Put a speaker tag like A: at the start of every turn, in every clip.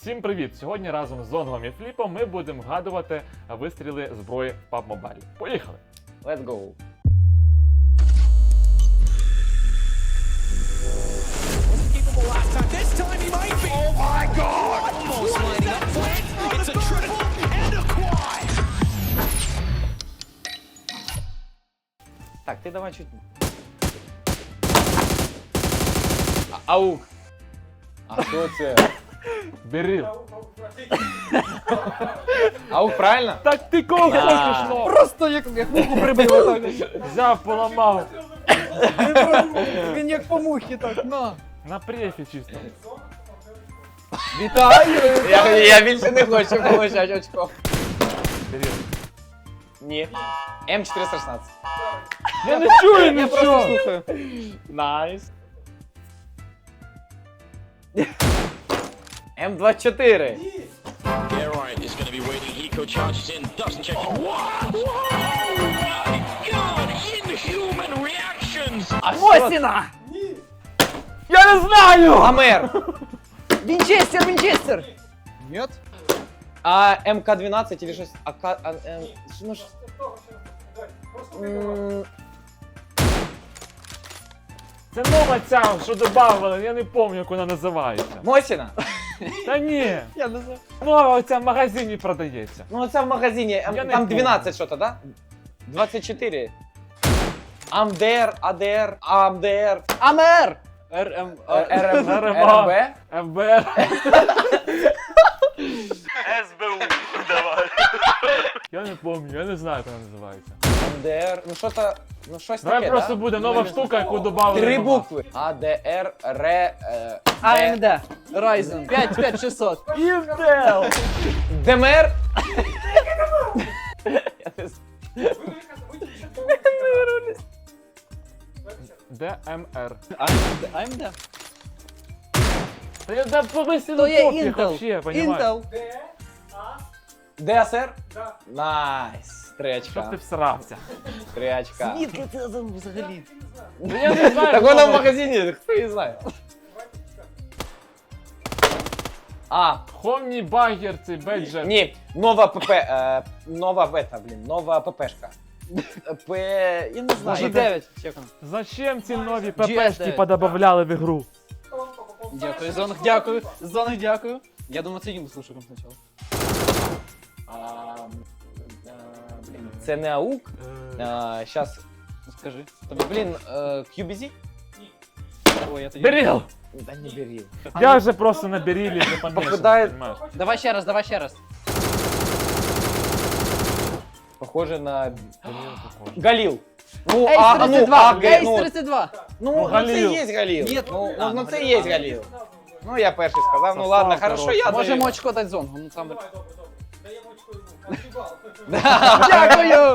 A: Всім привіт! Сьогодні разом з Зонгом і Фліпом ми будемо вгадувати вистріли зброї в PUBG Mobile. Поїхали!
B: Let's go. Так, ти давай чуть. Аук. А що це?
A: Беріл!
B: Аук, правильно?
A: Так ти кого хочеш, ну?
C: Просто як муху прибив отак.
A: Взяв, поламав.
C: Він як по мухі так, на.
A: На префі чисто.
C: Вітаю!
B: Я більше не хочу получати очко.
A: Беріл.
B: Ні. М416.
A: Я не чую
C: Я просто
A: нічого!
C: слухаю.
B: Найс. М24.
D: Yeah, right, is going to be waiting. Eco charges in, doesn't check. What? Oh my god! Inhuman reactions!
C: Мосіна!
A: Я не знаю!
B: Амер.
C: Вінчестер, Вінчестер! Нет?
B: А МК-12 или щось? Ну ж...
A: Це нова ця, що додавали, я не пам'ятаю, як вона називається.
B: Мосіна?
A: Та ні,
C: Я не знаю.
A: нова оця в магазині продається.
B: Ну це в магазині,
A: Я не
B: там
A: помню.
B: 12 що-то, да? 24. АМДР, АДР, АМДР,
C: Амер! РМ...
B: РМ,
A: РМА.
B: РМБ.
A: ФБР. СБУ. Давай. Я не пам'ятаю, я не знаю, як вона називається.
B: АМДР, ну що-то, ну щось
A: Давай
B: таке,
A: просто
B: да?
A: буде нова штука, яку додали.
B: 3 букви. АДР, Р,
C: АМД. Ryzen. 5600.
A: Інтел!
B: ДМР. Я не знаю.
A: ДМР.
C: АМД.
A: Та я да повисили
C: То є
A: пофіг
C: Intel.
A: вообще, понімаєш?
C: Intel.
B: ДСР? Найс. 3
A: Щоб ти
B: очка.
A: всрався.
B: 3 очка.
C: Звідки це взагалі?
A: Ну я не знаю.
B: Так
A: хто
B: вона в
A: це.
B: магазині, хто її знає. А,
A: Хомні багер цей беджер.
B: ні, нова ПП, нова бета, блін, нова ППшка. П, я не знаю.
C: G9. Чекаємо.
A: Зачем ці нові
C: GS9.
A: ППшки подобавляли в ігру?
C: Дякую, Зонг, дякую. Зонг, дякую. Я думаю, це їм слушаком спочатку.
B: Блін, це не АУК. Щас,
C: Ну, скажи.
B: блін, QBZ?
C: Ой, я тоді...
A: Беріл!
B: Да не беріл.
A: Я вже просто на берілі не помішаний,
B: Попадає-
A: понімаєш?
C: Давай ще раз, давай ще раз.
B: Похоже на Галил. Ну,
C: Ейс 32, Ейс
B: ну,
C: 32.
B: ну, це
A: Галил.
B: є Галил.
C: Ні,
B: Ну, це є Галил. Ну, я перший сказав, ну ладно,
A: Состав,
B: хорошо,
A: коротше.
B: я
C: Можемо
B: даю.
C: очко дати Зонгу. Ну там...
B: Дякую.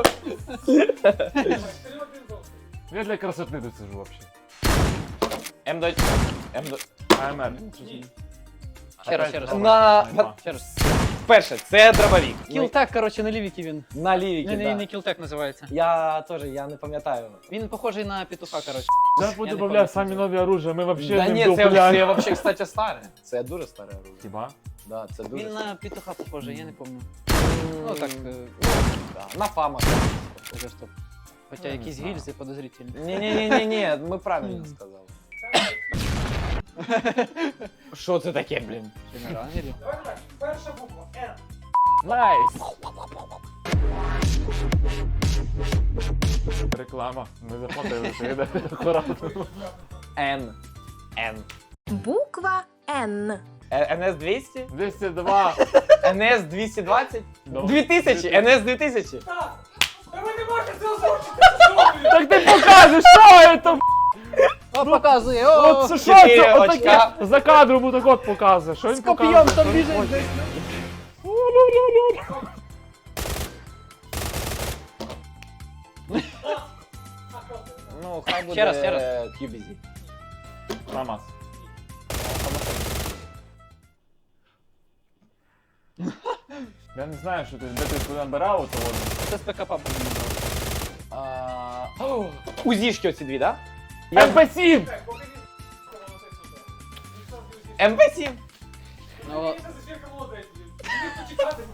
A: Я для красоти тут сижу вообще.
B: М2.
A: АМР.
C: Ще раз, ще раз.
B: На...
C: Ще раз.
B: Перше, це дробовик.
C: Кілтек, коротше, на лівіки він.
B: На лівіки,
C: Не
B: да.
C: кілтек називається.
B: Я теж, я не пам'ятаю.
C: Він похожий на петуха, коротше.
A: Я
C: не
A: подобавляв
C: пам'ятаю.
A: самі нові оружия, ми вообще
B: Да
A: не
B: ні, це
A: вдупляємо.
B: взагалі, кстати, старе. Це дуже старе оружие.
A: Хіба?
B: Да, це дуже
C: Він
B: старе.
C: на петуха похожий, я не пам'ятаю. Ну так,
B: Да, на фама.
C: це стоп. Хоча якісь гільзи подозрительні.
B: Ні, ми правильно сказали. Що це таке, блін?
C: Генераторі.
A: Найс! Реклама. Ми заплатили. Акуратно.
B: Н.
E: Буква Н.
B: НС 200?
A: 202.
B: НС 220?
A: Ну.
B: 2000? НС 2000?
A: Так ти покажеш, що це?
C: О, показує, о!
A: От що
B: 4
A: це?
B: очка.
A: Отаке. За кадром отак от показує. Що він
C: З
A: показує?
C: коп'єм там
A: Що він
C: біжить
A: хоче?
C: десь.
B: Ну, хай буде
C: Ще раз, ще раз.
B: QBZ.
A: Мамас. Я не знаю, що ти, де ти туди набирав ото воно.
C: Це з ПК папа не брав.
B: УЗІшки оці дві, да?
A: МП7!
B: МП7.
C: Ну,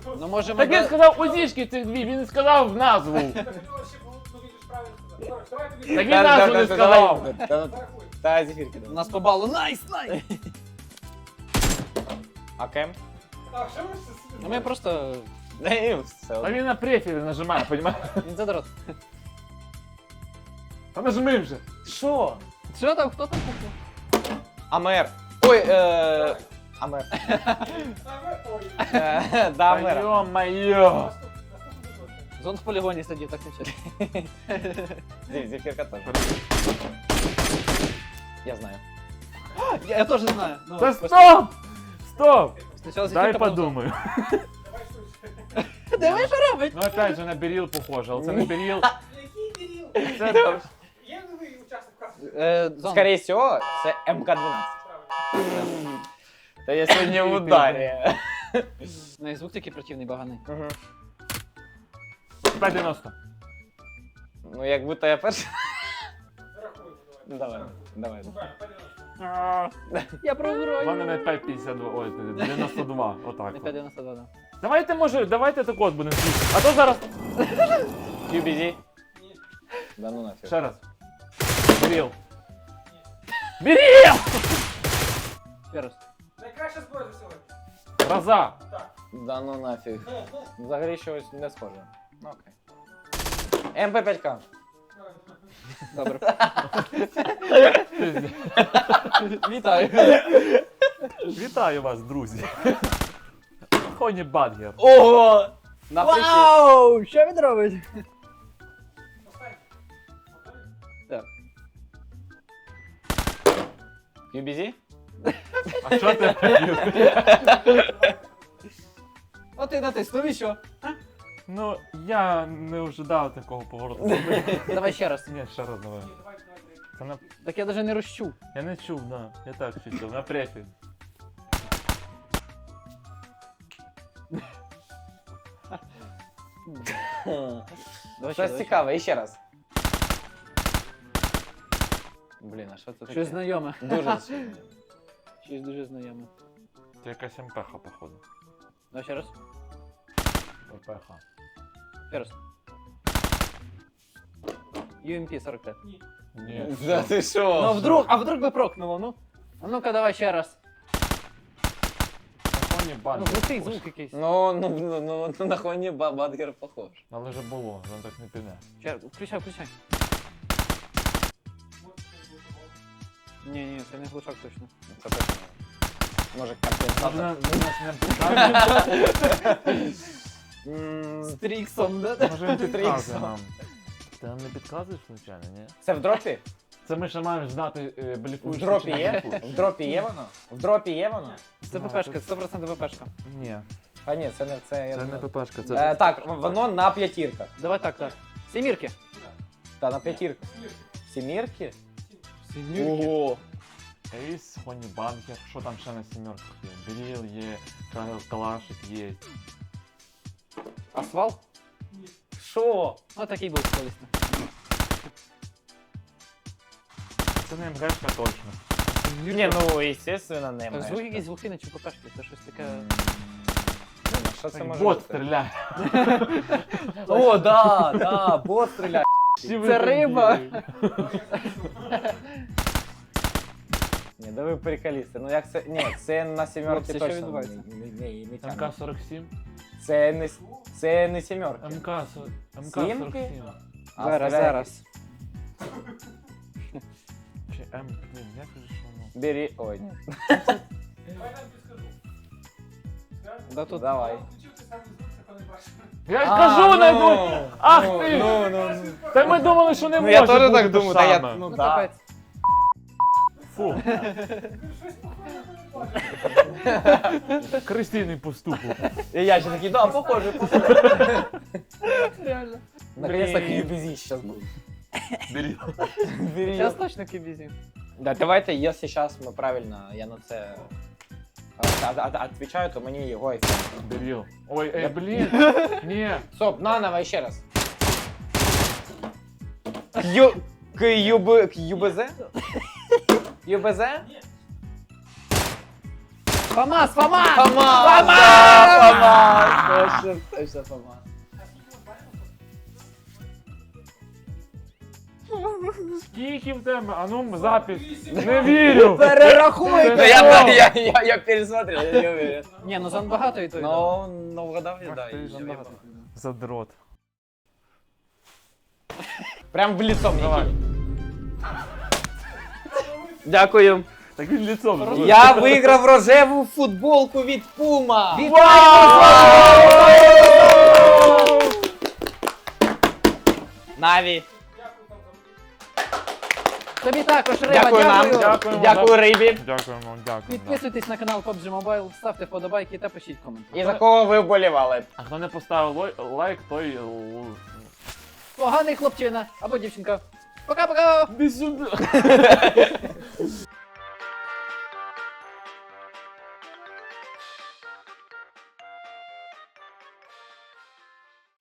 C: Ну можемо...
A: Так він сказав узішки цих дві, він не сказав назву. Так він назву не сказав.
B: Та зефірки.
C: У нас по балу. Найс, найс!
B: А кем?
C: Ну ми просто...
B: Не, все
A: А
B: одно.
A: він на префілі нажимає, понімаєш?
C: Він задрот.
A: Та нажми вже.
B: Що?
C: Що там, хто там купив?
B: Амер. Ой, Амер. Да, Амер.
A: Йо-моє.
C: Зон в полігоні сидів, так нічого.
B: Зефірка теж. Я знаю.
C: Я теж знаю. Ну,
A: Та
C: просто-
A: стоп! Стоп!
C: Спочатку
A: Дай
C: зефірка, потім
A: подумаю.
C: зон. Диви, що робить?
A: Ну опять же на Беріл похоже, але це не Беріл.
E: Який
A: Це
E: Є новий учасник касту?
C: Зон.
B: Скорее всего, це МК-12. Та я сьогодні в ударі.
C: Ну і звук такий противний, баганий.
A: 5,90.
B: Ну, як будто я перший.
E: Зарахуємо,
B: Давай.
C: Я
A: У
C: програю.
A: мене на 5,52, ой, 92, отак.
C: Не
A: от.
C: 5,92, да.
A: Давайте, може, давайте так от будемо слухати. А то зараз...
B: QBZ. Да ну нафіг.
A: Ще раз. Беріл. Беріл!
C: Ще раз.
E: Найкраща зброя за сьогодні.
A: Гроза.
B: Да ну нафіг. Взагалі щось не схоже. Ну окей. МП5К.
C: Добре. Вітаю.
A: Вітаю вас, друзі. Хоні Бадгер.
B: Ого! На прикид.
C: Вау! Що він робить?
E: Останній. Готові?
C: Так.
B: QBZ?
A: А що ти?
C: О, ти натиснув і що?
A: Ну, я не ожидав такого повороту.
C: Давай ще раз.
A: Ні, ще раз давай.
E: Ні, давай.
A: Це на...
C: Так я навіть не розчув.
A: Я не чув, да. Я так чув, на префі.
C: Давай
B: Щось цікаве, і ще раз. Блін, а що це таке?
C: Щось знайоме.
B: Дуже
C: Щось дуже знайоме.
A: Це якась МПХ, походу.
C: Давай ще раз.
A: МПХ.
C: Ще раз. UMP 45.
A: Ні.
B: Да ти що?
C: Ну а вдруг би прокнуло, ну? А ну-ка давай ще раз.
A: Хоні
C: Ну,
A: Бадгер.
C: крутий звук якийсь.
B: Ну, на Хоні Бадгер похож.
A: Але вже було, воно так не піде.
C: Ще, включай, включай. Ні, це не глушак точно.
B: Це точно. Може,
A: Може,
B: компенсатор.
A: нас не підказує?
C: З Тріксом, да?
A: Може він підказує
B: Тріксом.
A: нам. Ти нам не підказуєш, звичайно, ні?
B: Це в дропі?
A: Це ми ще маємо знати
B: В
A: бліфуючи
B: дропі
A: чи не
B: є?
A: бліфуючи.
B: В дропі є воно? В дропі є воно?
C: Це ППшка, 100% ППшка.
A: Ні,
B: А ні, це не це. я
A: це не
B: думаю.
A: ППшка, це...
B: Так, воно на п'ятірках.
C: Давай так. Сімірки.
B: Та на п'ятірках. Сімірки?
C: Сімірки.
B: Ого.
A: Ейс, Хоні Бадгер, що там ще на сімерках є? Беріл є, Калашик є.
C: Асфал?
B: Що?
C: Ну такий був колись.
A: Це не МГшка точно.
B: Ні, ну, естественно, не
C: Так
B: маєш.
C: звук якийсь глухий чи ППшки, це щось таке.
B: Блін, а що це може
A: Бот
B: бути?
A: стріляє.
B: О, да, бот стріляє.
C: Це риба.
B: Ні, да ви приколісти. Ну як це? Ні, це на сімерки
C: Хлопці, що
B: точно.
C: відбувається?
B: Не тягне.
A: МК-47?
B: Це не сімерки.
A: МК-47.
B: А,
C: Зараз,
B: стріляє.
C: зараз.
A: Чи М, блін, як же ж воно?
B: Бери. Ой, ні.
E: Давай я нам підскажу.
C: Да тут.
B: Давай.
E: Включив ти самий звук, це коли бачиш.
A: Я ж кажу, не думаю! Ах
B: ну,
A: ти!
B: Ну,
A: Та ми думали, що не
B: ну
A: може
B: я теж
A: бути
B: так
A: те
B: думаю, та я,
A: саме.
B: ну
C: Ну
B: да.
C: капець.
A: Фу,
E: Щось похоже, коли бачиш.
A: крестійний поступок.
B: І я ще такий, да, похоже.
C: Реально.
B: Наконец-то QBZ сейчас будет.
A: Беріл.
C: Зараз точно кібізі.
B: Да, давайте, если сейчас мы правильно, я на це отвечаю, то мені його айфон.
A: Беріл. Ой, блін. Ні.
B: Стоп, наново ще раз. КЮБЗ? ЮБЗ?
C: ФАМАС, ФАМАС!
B: ФАМАС! ФАМАС! Точно ФАМАС.
A: Скільки в тебе? А ну, запись. Не вірю.
C: Перерахуйте!
A: Це
B: Я пересмотрел, я не уверен.
C: Ні, ну зон багато і то, і то.
B: Ну, вгадав я, да.
A: Ах ти ж,
B: я
A: Андрій.
B: вгадав.
A: Задрот.
B: Прям в лицо мне
A: Давай.
B: кинь. Дякую.
A: Так він ліцом. зробив.
B: Я виграв рожеву футболку від Puma. Наві.
C: Тобі також, Риба,
B: Дякую нам.
C: дякую.
A: Дякуємо.
B: Дякую рибі.
A: Дякуємо, дякую.
C: Підписуйтесь на канал PUBG Mobile, ставте вподобайки та пишіть коменти.
B: І за кого ви вболівали?
A: А хто не поставив лайк, той...
C: Поганий хлопчина або дівчинка. Пока-пока!
A: Іди сюди.